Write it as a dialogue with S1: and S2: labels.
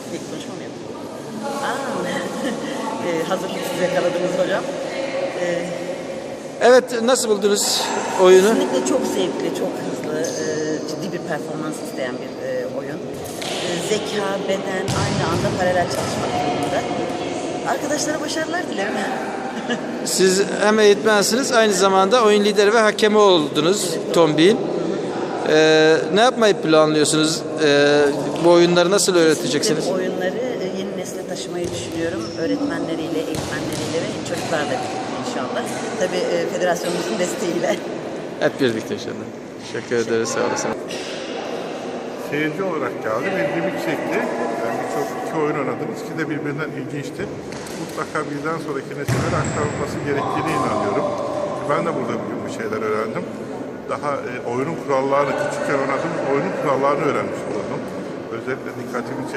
S1: İlk konuşma mı yapayım? Hazır siz yakaladınız hocam.
S2: Evet, nasıl buldunuz oyunu?
S1: Kesinlikle çok zevkli, çok hızlı, ciddi bir performans isteyen bir oyun. Zeka, beden aynı anda paralel çalışmak durumunda. Arkadaşlara başarılar dilerim.
S2: Siz hem eğitmensiniz, aynı zamanda oyun lideri ve hakemi oldunuz Tombik'in. Ne yapmayı planlıyorsunuz? Bu oyunları nasıl öğreteceksiniz?
S1: Bu oyunları yeni nesle taşımayı düşünüyorum. Öğretmenleriyle, eğitmenleriyle ve çocuklarla birlikte inşallah. Tabii federasyonumuzun desteğiyle.
S2: Hep birlikte inşallah. Teşekkür ederiz, sağ olasın.
S3: Seyirci olarak geldim. İlgimi çekti. Yani iki oyun oynadım. İkisi de birbirinden ilginçti. Mutlaka birden sonraki nesillere aktarılması gerektiğine inanıyorum. Ben de burada bugün bir şeyler öğrendim. Daha oyunun kurallarını küçükken oynadım. Oyunun kurallarını öğrenmiş oldum. Özellikle dikkatimi çekti.